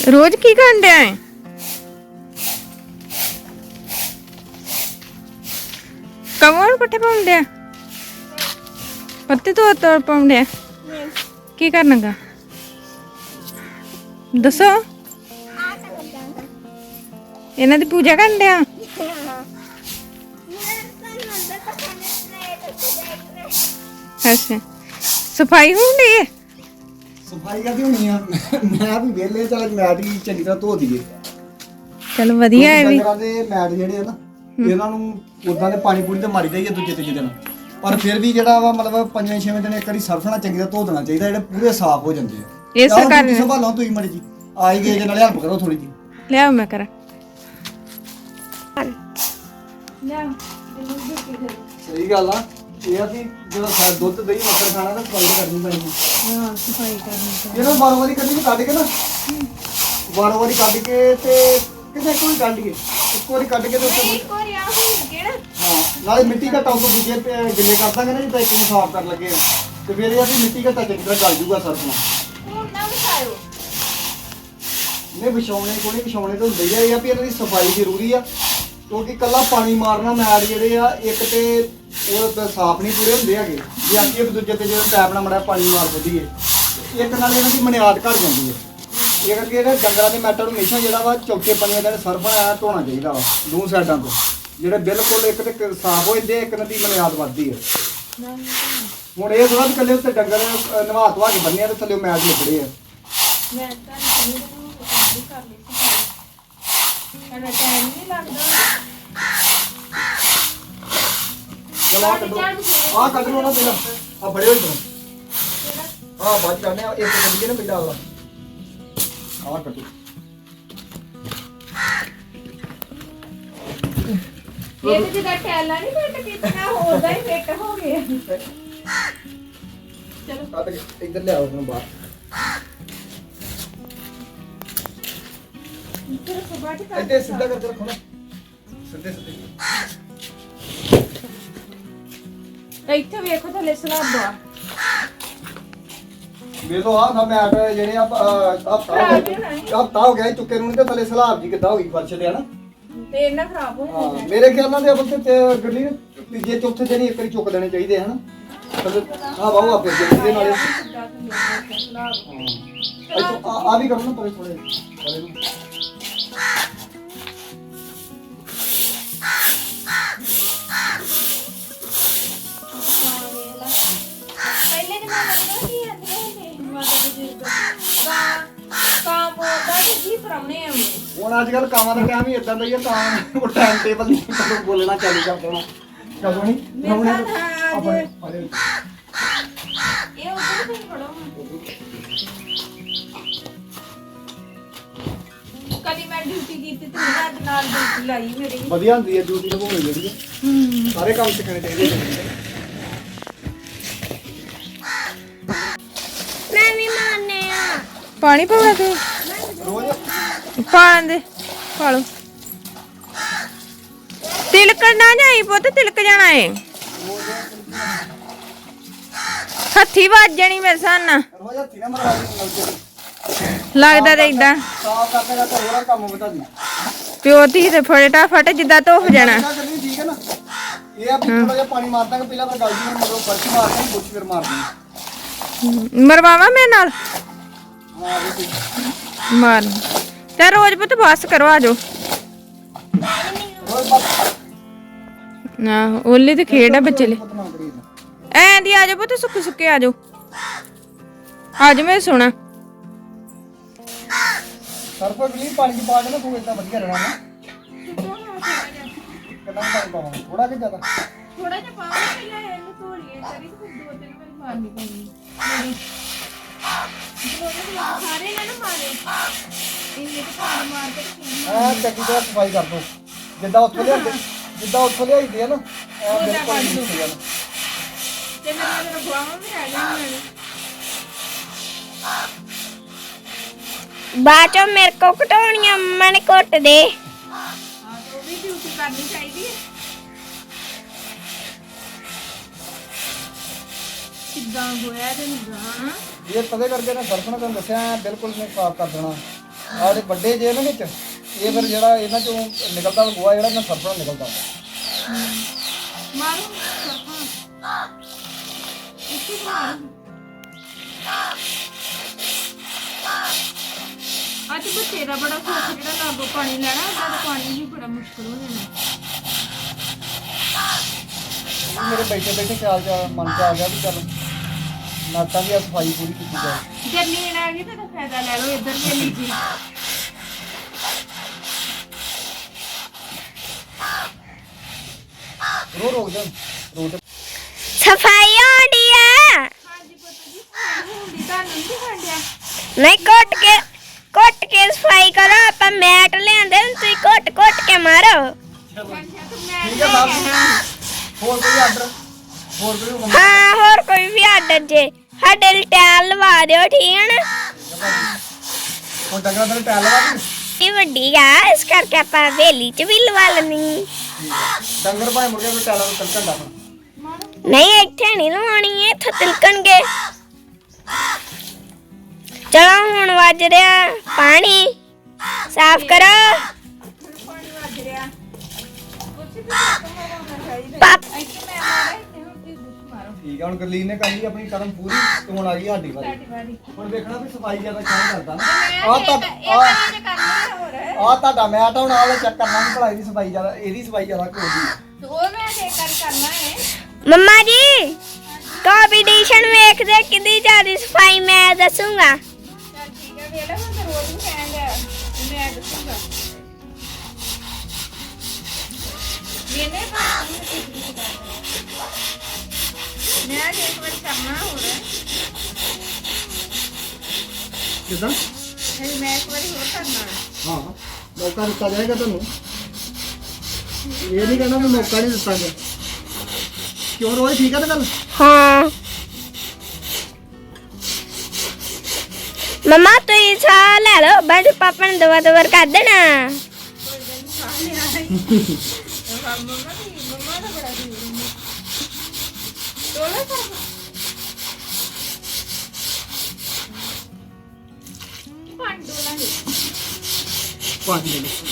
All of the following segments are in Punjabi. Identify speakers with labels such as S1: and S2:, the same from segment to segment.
S1: रोज की करन डया है? कमर पट्टे पाउन डया? पत्ते तो पाउन डया? की करना गा? दसो इन्हां दी पूजा करन डया? अच्छा सफाई होंदी है?
S2: सफाई करदी होनी आ मैं भी वेले चल मैट ही चंगी तरह धो दईए
S1: चल वधिया है भी
S2: डंगरां दे मैट ਜਿਹੜੇ ਆ ਨਾ ਇਹਨਾਂ ਨੂੰ ਉਦਾਂ ਦੇ ਪਾਣੀ ਪੂਣੀ ਤੇ ਮਾਰੀ ਜਾਈਏ ਦੂਜੇ ਤੀਜੇ ਦਿਨ ਪਰ ਫਿਰ ਵੀ ਜਿਹੜਾ ਵਾ ਮਤਲਬ 5-6 ਦਿਨ ਇੱਕ ਵਾਰੀ ਸਰਫ ਨਾਲ ਚੰਗੀ ਤਰ੍ਹਾਂ ਧੋ ਦੇਣਾ ਚਾਹੀਦਾ ਜਿਹੜੇ ਪੂਰੇ ਸਾਫ਼ ਹੋ ਜਾਂਦੇ ਆ
S1: ਇਸੇ ਕਾਰਨ
S2: ਸੰਭਾਲੋ ਤੁਸੀਂ ਮੜੀ ਜੀ ਆਈ ਗਏ ਜੇ ਨਾਲੇ ਹੈਲਪ ਕਰੋ ਥੋੜੀ ਜੀ
S1: ਲਿਆਓ ਮੈਂ ਕਰਾਂ
S2: ਸਹੀ ਗੱਲ ਆ ਇਹ ਆ ਕਿ ਜਦੋਂ ਦੁੱਧ ਦਹੀਂ ਮੱਖਣ ਖਾਣਾ ਤਾਂ ਸਫਾਈ ਕਰਨੀ ਪੈਣੀ
S1: ਹਾਂ ਸਫਾਈ ਕਰਨੀ
S2: ਇਹਨਾਂ ਵਾਰ ਵਾਰੀ ਕੱਢੀ ਕੱਢ ਕੇ ਨਾ ਵਾਰ ਵਾਰੀ ਕੱਢ ਕੇ ਤੇ ਕਿਤੇ ਕੋਈ ਕੱਢ ਲਈਏ ਇੱਕ ਵਾਰੀ ਕੱਢ ਕੇ ਤੇ ਉੱਤੇ ਹਾਂ ਨਾਲੇ ਮਿੱਟੀ ਦਾ ਟੌਪ ਦੂਜੇ ਗਿੱਲੇ ਕਰ ਦਾਂਗੇ ਨਾ ਜਿੱਦਾਂ ਇੱਕ ਨੂੰ ਸਾਫ਼ ਕਰਨ ਲੱਗੇ ਆ ਤੇ ਫਿਰ ਇਹ ਆ ਵੀ ਮਿੱਟੀ ਘੱਟਾ ਚੰਗੀ ਤਰ੍ਹਾਂ ਗਲ ਜੂਗਾ ਸਰਫ ਨਾਲ ਨਹੀਂ ਵਿਛਾਉਣੇ ਕੋਲੇ ਵਿਛਾਉਣੇ ਤਾਂ ਹੁੰਦੇ ਹੀ ਆ ਵੀ ਇਹਨਾਂ ਦੀ ਸਫਾਈ ਜ਼ਰੂਰੀ ਆ ਕਿਉਂਕਿ ਕੱਲਾ ਪਾਣੀ ਮਾਰਨਾ ਮੈਟ ਜਿਹੜੇ ਆ ਇੱਕ ਤੇ ਉਹ ਤਾਂ ਸਾਫ਼ ਨਹੀਂ ਪੂਰੇ ਹੁੰਦੇ ਹੈਗੇ ਜੇ ਅਸੀਂ ਇੱਕ ਦੂਜੇ ਤੇ ਜਦੋਂ ਪੈਪ ਨਾਲ ਮੜਾ ਪਾਣੀ ਮਾਰ ਦਿੱਦੀਏ ਇੱਕ ਨਾਲ ਇਹਨਾਂ ਦੀ ਮਨਿਆਦ ਘਟ ਜਾਂਦੀ ਹੈ ਇਹ ਕਰਕੇ ਜਿਹੜੇ ਡੰਗਰਾਂ ਦੇ ਮੈਟਾਂ ਨੂੰ ਹਮੇਸ਼ਾ ਜਿਹੜਾ ਵਾ ਚੌਕੇ ਪਾਣੀ ਦਾ ਸਰਫ ਆਇਆ ਧੋਣਾ ਚਾਹੀਦਾ ਵਾ ਦੋ ਸਾਈਡਾਂ ਤੋਂ ਜਿਹੜੇ ਬਿਲਕੁਲ ਇੱਕ ਤੇ ਸਾਫ਼ ਹੋ ਜਾਂਦੇ ਇੱਕ ਨਾਲ ਦੀ ਮਨਿਆਦ ਵੱਧਦੀ ਹੈ ਹੁਣ ਇਹ ਥੋੜਾ ਵੀ ਇਕੱਲੇ ਉੱਤੇ ਡੰਗਰ ਨਵਾ ਧਵਾ ਕੇ ਬੰਨਿਆ ਤੇ ਥੱਲੇ ਮੈਟ ਲਿਪੜੇ ਆ
S1: ਮੈਂ ਤਾਂ ਨਹੀਂ ਕਰ ਲਈ ਸਾਡਾ ਟਾਈਮ ਨਹੀਂ ਲੱਗਦਾ
S2: ਚਲ ਆ ਕੱਢੋ ਆ ਕੱਢ ਲਓ ਨਾ ਪਹਿਲਾਂ ਆ ਬੜੇ ਹੋਏ ਤੋਂ ਆ ਬਾਅਦ ਕਰਨੇ ਆ ਇੱਕ ਕੱਢੀਏ ਨਾ ਪਹਿਲਾਂ ਵਾਲਾ ਆ ਕੱਢੋ
S1: ਇਹ ਤੇ ਜਿਹੜਾ ਟੈਲਾ ਨਹੀਂ ਫਿੱਟ ਕੀਤਾ ਹੋਦਾ ਹੀ ਫਿੱਟ ਹੋ ਗਿਆ ਚਲੋ
S2: ਕੱਢ ਕੇ ਇੱਧਰ ਲਿਆਓ ਹੁਣ ਬਾਹਰ
S1: ਇੱਧਰ ਸਬਾਟ ਕਰ
S2: ਇੱਥੇ ਸਿੱਧਾ ਕਰਕੇ ਰੱਖੋ ਨਾ ਸਿੱਧੇ
S1: ਇੱਥੇ ਵੇਖੋ ਥੱਲੇ ਸਲਾਬ ਦਾ
S2: ਵੇਖੋ ਆ ਨਾ ਮੈਟ ਜਿਹੜੇ ਆ ਹਫਤਾ ਹੋ ਗਿਆ ਚੁੱਕੇ ਨੂੰ ਤੇ ਥੱਲੇ ਸਲਾਬ ਜੀ ਕਿੱਦਾਂ ਹੋ ਗਈ ਫਰਸ਼ ਤੇ ਹਨਾ
S1: ਤੇ ਇਹਨਾਂ ਖਰਾਬ ਹੋ
S2: ਹਾਂ ਮੇਰੇ ਖਿਆਲ ਨਾਲ ਤੇ ਅਬਲ ਤੇ ਗੱਡੀ ਤੀਜੇ ਚੌਥੇ ਦਿਨ ਇੱਕ ਵਾਰੀ ਚੁੱਕ ਦੇਣੇ ਚਾਹੀਦੇ ਹਨ ਆ ਬਾਹੂ ਆਪੇ ਜਿਹਦੇ ਨਾਲੇ ਆ ਵੀ ਕਰੋ ਨਾ ਪਰੇ ਥੋੜੇ
S1: ਪਹਿਲੇ ਜਮਾਨੇ ਵਿੱਚ ਕੀ ਆਂਦੇ ਨੇ ਮਾਤਾ ਬਜ਼ੁਰਗ ਕਾਂ ਬੋਲਦਾ ਤੇ ਜੀ ਪਰਾਉਣੇ ਆਉਂਦੇ
S2: ਹੁਣ ਅੱਜ ਕੱਲ ਕਾਵਾਂ ਦਾ ਟਾਈਮ ਹੀ ਇਦਾਂ ਦਾ ਹੀ ਆ ਕਾਂ ਉਹ ਟਾਈਮ ਟੇਬਲ ਨਹੀਂ ਕਦੋਂ ਬੋਲਣਾ ਚਾਲੂ ਕਰ ਦੇਣਾ ਕਦੋਂ ਨਹੀਂ ਆਪਣੇ
S1: ਇਹ ਉਧਰ ਤੇ ਫੜੋ ਕਦੀ ਮੈਂ ਡਿਊਟੀ ਕੀਤੀ ਤੇ ਰਾਤ ਨਾਲ ਡਿਊਟੀ ਲਾਈ ਮੇਰੀ
S2: ਵਧੀਆ ਹੁੰਦੀ ਹੈ ਡਿਊਟੀ ਨਿਭਾਉਣੀ ਜਿਹੜੀ ਹੈ ਸਾਰੇ ਕੰਮ ਸਿੱਖਣੇ ਚਾਹੀਦੇ
S1: ਮੈਂ ਵੀ ਮਾਰਨੇ ਆ ਪਾਣੀ ਪਾਉਣਾ ਤੂੰ
S2: ਰੋਜ਼
S1: ਪਾਣ ਦੇ ਪਾ ਲੋ ਤਿਲਕਣ ਨਾ ਜਾਈ ਪੁੱਤ ਤਿਲਕ ਜਾਣਾ ਏ ਹੱਥੀ ਵੱਜ ਜਾਣੀ ਮੇਰੇ ਸਾਨ
S2: ਰੋਜ਼ ਹੱਥੀ ਨਾ ਮਰਵਾ ਦੇ
S1: ਲੱਗਦਾ ਤੇ ਇਦਾਂ
S2: ਸਾਫ ਕਰਦੇ ਦਾ ਤਾਂ ਹੋਰ ਕੰਮ ਬਤਾ ਦੀ
S1: ਪਿਓ ਧੀ ਤੇ ਫਟਾ ਫਟ ਜਿੱਦਾਂ ਧੋਫ ਜਾਣਾ
S2: ਠੀਕ ਹੈ ਨਾ ਇਹ ਆ ਥੋੜਾ ਜਿਹਾ ਪਾਣੀ ਮਾਰ ਦਾਂਗੇ ਪਹਿਲਾਂ ਫਿਰ ਗਲ ਜੀ ਮਰੋ ਫਰਸ਼ ਮਾਰ ਦਾਂਗੇ ਬੁੱਛ ਫਿਰ ਮਾਰ ਦਾਂਗੇ
S1: ਮਰਵਾਵਾ ਮੇਰੇ ਨਾਲ
S2: ਹਾਂ ਜੀ
S1: ਮਾਰ ਤੇ ਰੋਜ਼ ਪੁੱਤ ਬਸ ਕਰੋ ਆਜੋ
S2: ਰੋਜ਼ ਬਸ
S1: ਨਾ ਓਲੇ ਤੇ ਖੇਡ ਆ ਬੱਚੇ ਲਈ
S2: ਪਤਨਾ ਕਰੀ
S1: ਐਂ ਦੀ ਆਜੋ ਪੁੱਤ ਸੁੱਕੇ ਸੁੱਕੇ ਆਜੋ ਆਜੋ ਮੈਂ ਸੋਣਾ
S2: ਸਰਫ ਗਲੀ ਪਾਣੀ ਚ ਪਾ ਕੇ ਨਾ ਤੂੰ ਇਦਾਂ ਵਧੀਆ ਰਹਿਣਾ ਨਾ ਕਿੰਨਾ ਪਾਣੀ ਪਾਵਾਂ ਥੋੜਾ ਕਿ ਜ਼ਿਆਦਾ
S1: ਥੋੜਾ ਜਿਹਾ ਪਾਓ ਪਹਿਲਾਂ ਇਹਨੂੰ ਧੋਲੀਏ ਤੇਰੀ ਫਿਰ ਦੋ ਤਿੰਨ ਵਾਰੀ ਮਾਰਨੀ ਪੈਣੀ ਮੇਰੀ ਸਾਰੇ ਨਾ ਮਾਰੇ ਇਹ ਤੇ ਪਾਣੀ ਮਾਰ ਕੇ
S2: ਐ ਚੰਗੀ ਤਰ੍ਹਾਂ ਸਫਾਈ ਕਰ ਦੋ ਜਿੱਦਾਂ ਉੱਥੋਂ ਲਿਆਈਦੀ ਆ ਨਾ ਐ ਬਿਲਕੁਲ ਨਹੀਂ ਹੋ ਜਾਣਾ
S1: ਤੇ ਮੇਰੇ ਰਗਵਾਵਾਂ ਵੀ ਰਹਿ ਗਈਆਂ
S3: ਬਾਅਦ ਚੋਂ ਮੇਰੇ ਕੋ ਘਟਾਉਣੀਆਂ ਮੰਮਾ ਨੇ ਘੁੱਟ ਦੇ
S1: ਹਾਂ ਤੇ ਉਹ ਵੀ ਡਿਊਟੀ ਕਰਨੀ ਚਾਹੀਦੀ ਹੈ ਕਿੱਦਾਂ ਗੋਇਆ ਤੇ ਨਿਗਾਹ
S2: ਇਹ ਤਦੇ ਕਰਕੇ ਨਾ ਸਰਫ ਨਾਲ ਤੁਹਾਨੂੰ ਦੱਸਿਆ ਬਿਲਕੁਲ ਨਹੀਂ ਸਾਫ਼ ਕਰ ਦੇਣਾ ਆਹ ਵੱਡੇ ਜੇ ਨਾ ਵਿੱਚ ਇਹ ਫਿਰ ਜਿਹੜਾ ਇਹਨਾਂ ਚੋਂ ਨਿਕਲਦਾ ਗੋਆ ਜਿਹੜਾ ਨਾ ਸਰਫਣਾ ਨਿਕਲਦਾ
S1: ਮਾਰੂ ਇੱਥੇ ਮਾਰੂ ਅੱਜ ਬੱਚੇ ਦਾ ਬੜਾ ਸੁੱਖ ਜਿਹੜਾ ਲਾਗੋ ਪਾਣੀ ਲੈਣਾ ਉਹਦਾ ਤਾਂ ਪਾਣੀ ਵੀ ਬੜਾ ਮੁਸ਼ਕਲ ਹੋ ਜਾਣਾ
S2: ਮੇਰੇ ਬੈਠੇ ਬੈਠੇ ਖਿਆਲ ਚ ਮਨ ਚ ਆ ਗਿਆ ਵੀ ਚੱਲ ਨਾਤਾਂ ਦੀ ਸਫਾਈ ਪੂਰੀ ਕੀਤੀ ਜਾਏ
S1: ਜਰਨੀ ਆ ਗਈ ਤਾਂ ਫਾਇਦਾ ਲੈ ਲਓ ਇੱਧਰ ਵੀ ਲਈ ਜੀ
S2: ਰੋਕ ਜਾ ਰੋਕ
S3: ਸਫਾਈ ਹੋਣੀ ਆ
S1: ਹਾਂਜੀ ਪੁੱਤ ਜੀ ਹੁੰਦੀ ਤੁਹਾਨੂੰ ਨਹੀਂ ਦਿਖਾਂਡਿਆ
S3: ਨਹੀਂ ਕੁੱਟ ਕੇ ਸਫਾਈ ਕਰੋ ਆਪਾਂ ਮੈਟ ਲਿਆਂਦੇ ਨੇ, ਤੁਸੀਂ ਕੁੱਟ ਕੇ ਮਾਰੋ
S2: ਠੀਕ ਹੈ ਸਾਹਿਬ ਹੋਰ ਕੋਈ ਆਰਡਰ ਹੋਰ ਕੋਈ ਹੁਕਮ
S3: ਹਾਂ ਹੋਰ ਕੋਈ ਵੀ ਆਰਡਰ ਜੇ ਸਾਡੇ ਲਈ ਟੈਲ ਲਵਾ ਦਿਓ ਠੀਕ ਹੈ ਨਾ
S2: ਹੁਣ ਡੰਗਰਾਂ ਦਾ ਟੈਲ ਲਵਾ ਦੀ
S3: ਇਹ ਵੱਡੀ ਆ ਇਸ ਕਰਕੇ ਆਪਾਂ ਹਵੇਲੀ ਚ ਵੀ ਲਵਾ ਲੈਣੀ
S2: ਡੰਗਰ ਭਾਵੇਂ ਮੁੜ ਕੇ ਕੋਈ ਟੈਲਾਂ ਨੂੰ ਤਲਕਣ ਦਾ
S3: ਨਹੀਂ ਇੱਥੇ ਨਹੀਂ ਲਵਾਉਣੀ ਇੱਥੇ ਤਿਲਕਣਗੇ ਚਲੋ ਹੁਣ ਵੱਜ ਰਿਹਾ ਪਾਣੀ ਸਾਫ਼ ਕਰੋ
S1: ਪਾਣੀ ਵੱਜ ਰਿਹਾ ਕੁਛ ਵੀ ਹੋਣਾ ਚਾਹੀਦਾ
S3: ਪਾਪ
S1: ਇੱਥੇ ਮੈਂ ਮਾਰਾ ਇੱਥੇ ਹੁਣ ਤੁਸੀਂ ਦੁੱਖ ਮਾਰੋ
S2: ਠੀਕ ਹੈ ਹੁਣ ਗਰਲੀਨ ਨੇ ਕਰ ਲਈ ਆਪਣੀ ਕਦਮ ਪੂਰੀ ਤੇ ਹੁਣ ਆ ਗਈ ਸਾਡੀ ਵਾਰੀ
S1: ਸਾਡੀ ਵਾਰੀ
S2: ਹੁਣ ਵੇਖਣਾ ਵੀ ਸਫਾਈ ਜ਼ਿਆਦਾ ਕਿਉਂ ਕਰਦਾ ਨਾ
S1: ਇਹ ਵਾਰੀ ਤੇ ਕਰਨਾ ਹੋਰ
S2: ਆ ਤੁਹਾਡਾ ਮੈਟ ਹੁਣ ਆਲੇ ਚੈੱਕ ਕਰਨਾ ਵੀ ਭਲਾ ਇਹਦੀ ਸਫਾਈ ਜ਼ਿਆਦਾ ਇਹਦੀ ਸਫਾਈ ਜ਼ਿਆਦਾ ਕਿਉਂ ਦੀ
S1: ਤੇ ਉਹ ਮੈਂ ਚੈੱਕ ਕਰਨਾ ਹੈ
S3: ਮੰਮਾ ਜੀ ਕੰਪੀਟੀਸ਼ਨ ਵੇਖਦੇ ਕਿੰਨੀ ਜ਼ਿਆਦਾ ਸਫਾਈ ਮੈਂ ਦੱਸੂਗਾ
S1: ਚੱਲ ਠੀਕ ਹੈ ਵੇਲਾ ਹੁਣ ਤਾਂ ਰੋਜ਼ ਹੀ ਕਹਿੰਦਾ ਮੈਂ ਦੱਸੂਗਾ ਮੈਨੇ ਮੈਂ ਅੱਜ ਇੱਕ ਵਾਰ ਕਰਨਾ ਹੋਰ
S2: ਕਿਦਾਂ
S1: ਹੈ ਮੈਂ ਇੱਕ ਵਾਰੀ ਹੋਰ ਕਰਨਾ ਹੈ
S2: ਹਾਂ ਮੌਕਾ ਦਿੱਤਾ ਜਾਏਗਾ ਤੁਹਾਨੂੰ ਇਹ ਨਹੀਂ ਕਹਿਣਾ ਵੀ ਮੌਕਾ ਨਹੀਂ ਦਿੱਤਾ ਗਿਆ ਕਿਉਂ ਰੋਜ਼ ਠੀਕ ਹੈ ਨਾ ਗੱਲ
S3: ਹਾਂ ਮਮਾ ਤੁਸੀਂ ਸਾਹ ਲੈ ਲਓ ਬਾਅਦ ਚ ਪਾਪਾ ਨੇ ਦਵਾ ਕਰ ਦੇਣਾ
S1: ਮੰਮਾ ਦਾ ਬੜਾ ਦੂਰ ਟੋਲਾ ਕਰ ਪੰਡੋਲਾ ਹੈ
S2: ਪਾਣੀ ਦੇ ਲਓ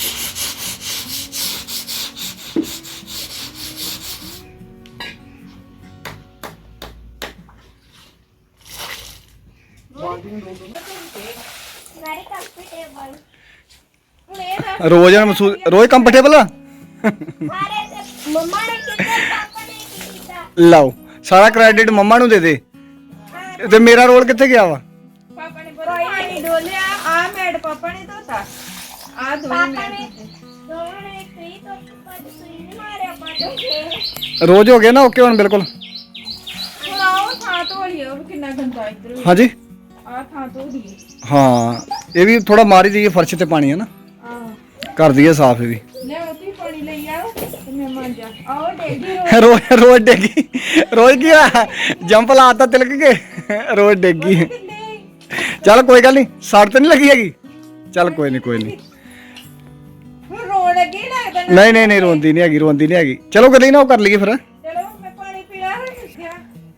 S2: ਬਾਲਟੀ ਨੂੰ ਰੋਕ
S3: ਵੈਰੀ ਕੰਫਰਟੇਬਲ
S2: ਰੋਜ਼ ਮਹਿਸੂਸ ਰੋਜ਼ ਕੰਫਰਟੇਬਲ ਆ
S3: ਸਾਰੇ ਮੰਮਾ ਨੇ ਕੀਤਾ ਪਾਪਾ ਨੇ ਕੀਤਾ
S2: ਲਓ ਸਾਰਾ ਕ੍ਰੈਡਿਟ ਮੰਮਾ ਨੂੰ ਦੇ ਦੇ ਤੇ ਮੇਰਾ ਰੋਲ ਕਿੱਥੇ ਗਿਆ ਵਾ
S1: ਪਾਪਾ ਨੇ ਪਾਣੀ ਡੋਲਿਆ ਆ ਮੈਡ ਪਾਪਾ ਨੇ ਧੋਤਾ ਆ ਦੋਵੇਂ
S3: ਪਾਪਾ ਨੇ ਦੋਵਾਂ ਨੇ ਕਰੀ ਤੋਂ ਪੱਜ ਸੂਈ ਨਹੀਂ ਮਾਰਿਆ ਪਾਜੋਗੇ
S2: ਰੋਜ਼ ਹੋ ਗਿਆ ਨਾ ਓਕੇ ਹੁਣ ਬਿਲਕੁਲ
S1: ਹੁਣ ਆਓ ਥਾਂ ਧੋ ਲਿਓ ਵੀ ਕਿੰਨਾ ਗੰਦਾ ਇੱਧਰ
S2: ਹਾਂਜੀ
S1: ਆ ਥਾਂ ਧੋ ਲਈਏ
S2: ਹਾਂ ਇਹ ਵੀ ਥੋੜਾ ਮਾਰੀ ਦਈਏ ਫਰਸ਼ ਤੇ ਪਾਣੀ ਹੈ ਨਾ
S1: ਆ
S2: ਕਰ ਦਈਏ ਸਾਫ ਇਹ ਵੀ
S1: ਲੈ ਉੱਥੇ ਪਾਣੀ ਲਈ ਆਓ ਤੇ ਮੈਂ ਮਾਂਜਾ ਆਓ ਡੇਗੀ
S2: ਰੋਜ਼ ਰੋਜ਼ ਡੇਗੀ ਰੋਜ਼ ਕੀ ਆ ਜੰਪ ਲਾਤਾ ਤਿਲਕ ਕੇ ਰੋਜ਼ ਡੇਗੀ ਚੱਲ ਕੋਈ ਗੱਲ ਨਹੀਂ ਸੜ ਤੇ ਨਹੀਂ ਲੱਗੀ ਹੈਗੀ ਚੱਲ ਕੋਈ ਨਹੀਂ
S1: ਹੁਣ ਰੋਣ ਲੱਗੀ ਲੱਗਦਾ ਨਾ
S2: ਨਹੀਂ ਰੋਂਦੀ ਨਹੀਂ ਹੈਗੀ ਚਲੋ ਕਰ ਲਈ ਨਾ ਉਹ ਕਰ ਲਈਏ ਫਿਰ
S1: ਚਲੋ ਮੈਂ ਪਾਣੀ ਪੀਣਾ ਹੈ ਕਿੱਥੇ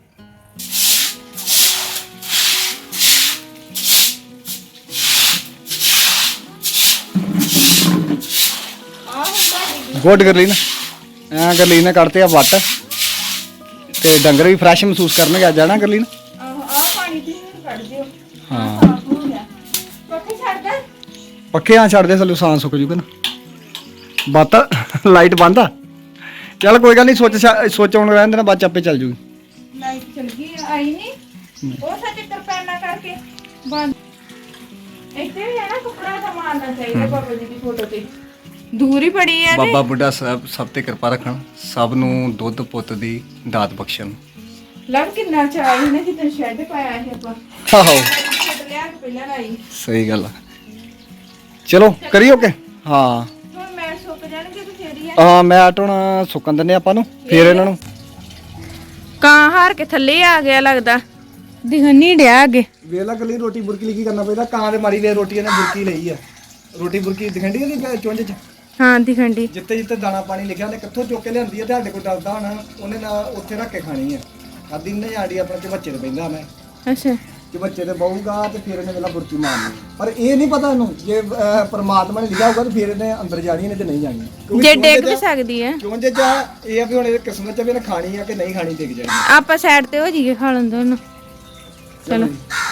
S2: ਗੁੱਡ ਕਰ ਲਈ ਨਾ ਐਂ ਕਰ ਲਈ ਨਾ ਕੱਢਤੇ ਆ ਵੱਟ ਤੇ ਡੰਗਰ ਵੀ ਫਰੈਸ਼ ਮਹਿਸੂਸ ਕਰਨਗੇ ਅੱਜ ਜਾਣਾ ਕਰ ਲਈ ਨਾ
S1: ਆਹੋ ਆ ਪਾਣੀ ਪੀ ਕੱਢ ਦਿਓ
S2: ਹਾਂ
S1: ਸਾਫ਼ ਹੋ ਗਿਆ ਪੱਖੇ ਛੱਡ ਦੇ
S2: ਪੱਕੇ ਆ ਛੱਡ ਦੇ ਥੱਲੇ ਸਾਂ ਸੁੱਕ ਜੂਗਾ ਨਾ ਬੱਤ ਲਾਈਟ ਬੰਦ ਆ ਚੱਲ ਕੋਈ ਗੱਲ ਨਹੀਂ ਸੋਚ ਆਉਣ ਰਹਿਣ ਦੇਣਾ ਬਾਅਦ ਚ ਆਪੇ ਚੱਲ ਜੂਗੀ
S1: ਲਾਈਟ ਚਲ ਗਈ ਆਈ ਨਹੀਂ ਉਹ ਸੱਚ ਤਰਪੈਨਾ ਕਰਕੇ ਬੰਦ ਇੱਥੇ ਵੀ ਹੈ ਨਾ ਕੱਪੜਾ ਤਾਂ ਮਾਰਨਾ ਚਾਹੀਦਾ ਬਾਬਾ ਜੀ ਦੀ ਫੋਟੋ ਤੇ ਦੂਰ ਹੀ ਪੜੀ ਆ
S2: ਬਾਬਾ ਬੁੱਢਾ ਸਾਹਿਬ ਸਭ ਤੇ ਕਿਰਪਾ ਰੱਖਣ ਸਭ ਨੂੰ ਦੁੱਧ ਪੁੱਤ ਦੀ ਦਾਤ ਬਖਸ਼ਣ
S1: ਲੱਗ ਕਿੰਨਾ ਚਾਹੀ ਨਾ ਜਿੱਦਾਂ ਸ਼ੈੱਡ ਪਾਇਆ ਹੈ ਆਪਾਂ
S2: ਆਹੋ
S1: ਛੱਡ ਲਿਆ ਕਿ ਪਹਿਲਾਂ ਲਾਈ
S2: ਸਹੀ ਗੱਲ ਆ ਚਲੋ ਕਰੀਓ ਕੇ ਹਾਂ
S1: ਹੁਣ ਮੈਂ ਸੁੱਕ ਜਾਣਗੇ ਤੇ ਫੇਰ ਹੀ ਆ
S2: ਹਾਂ ਮੈਟ ਹੁਣ ਸੁੱਕਣ ਦਿੰਦੇ ਆਪਾਂ ਨੂੰ ਫੇਰ ਇਹਨਾਂ ਨੂੰ
S1: ਕਾਂ ਹਾਰ ਕੇ ਥੱਲੇ ਆ ਗਿਆ ਲੱਗਦਾ ਦਿਖਣ ਨਹੀਂ ਡਿਆ ਅੱਗੇ
S2: ਵੇਲਾ ਕੱਲੀ ਰੋਟੀ ਬੁਰਕੀ ਲਈ ਕੀ ਕਰਨਾ ਪੈਂਦਾ ਕਾਂ ਦੇ ਮਾਰੀ ਵੇ ਰੋਟੀ ਇਹਨੇ ਬੁਰਕੀ ਲਈ ਆ ਰੋਟੀ ਬੁਰਕੀ ਦਿਖੰਡੀ ਉਹਦੀ ਚੁੰਝ ਚ
S1: ਹਾਂ ਦਿਖਣ ਦੀ
S2: ਜਿੱਤੇ ਜਿੱਤੇ ਦਾਣਾ ਪਾਣੀ ਲਿਖਿਆ ਉਹਨੇ ਕਿੱਥੋਂ ਚੁੱਕ ਕੇ ਲਿਆਂਦੀ ਆ ਤੇ ਸਾਡੇ ਕੋਲ ਡਰਦਾ ਹੁਣ ਉਹਨੇ ਨਾ ਉੱਥੇ ਰੱਖ ਕੇ ਖਾਣੀ ਆ ਆਦੀ ਨੇ ਆੜੀ ਆਪਣੇ ਚ ਬੱਚੇ ਤੇ ਬੈਂਦਾ ਮੈਂ
S1: ਅੱਛਾ
S2: ਕਿ ਬੱਚੇ ਤੇ ਬਹੂਗਾ ਤੇ ਫਿਰ ਇਹਨੇ ਵੇਲਾ ਬੁਰਕੀ ਮਾਰਨੀ। ਪਰ ਇਹ ਨਹੀਂ ਪਤਾ ਇਹਨੂੰ ਜੇ ਪਰਮਾਤਮਾ ਨੇ ਲਿਖਿਆ ਹੋਊਗਾ ਤੇ ਫਿਰ ਇਹਨੇ ਅੰਦਰ ਜਾਣੀ ਨਹੀਂ ਤੇ ਨਹੀਂ ਜਾਣੀ। ਕਿਉਂਕਿ
S1: ਜੇ
S2: ਚੁੰਝ
S1: ਡਿੱਗ ਵੀ
S2: ਚ-
S1: ਸਕਦੀ ਹੈ।
S2: ਚੁੰਝ ਚ ਇਹ ਆ ਵੀ ਹੁਣ ਇਹ ਕਿਸਮਤ ਚ ਵੀ ਇਹਨੇ ਖਾਣੀ ਆ ਕਿ ਨਹੀਂ ਖਾਣੀ ਡਿੱਗ ਜਾਣੀ।
S1: ਆਪਾਂ ਸਾਈਡ ਤੇ ਹੋ ਜਾਈਏ ਖਾ ਲੈਂਦੇ ਉਹਨੂੰ। ਚਲੋ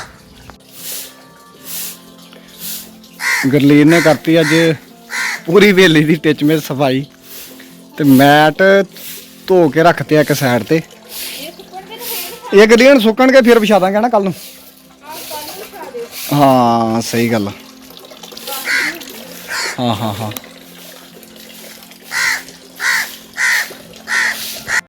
S2: ਗੁਰਲੀਨ ਨੇ ਕਰਤੀ ਅੱਜ ਪੂਰੀ ਵੇਲੀ ਦੀ ਟਿਚਮੇ ਸਫਾਈ ਤੇ ਮੈਟ ਧੋ ਕੇ ਰੱਖਤੇ ਇੱਕ ਸਾਈਡ ਤੇ। ਇਹ ਗੁਰਲੀਨ ਸੁੱਕਣਗੇ ਫਿਰ ਵਿਛਾ ਦਾਂਗੇ ਨਾ ਕੱਲ ਨੂੰ। ਹਾਂ ਸਹੀ ਗੱਲ ਆ। ਹਾਂ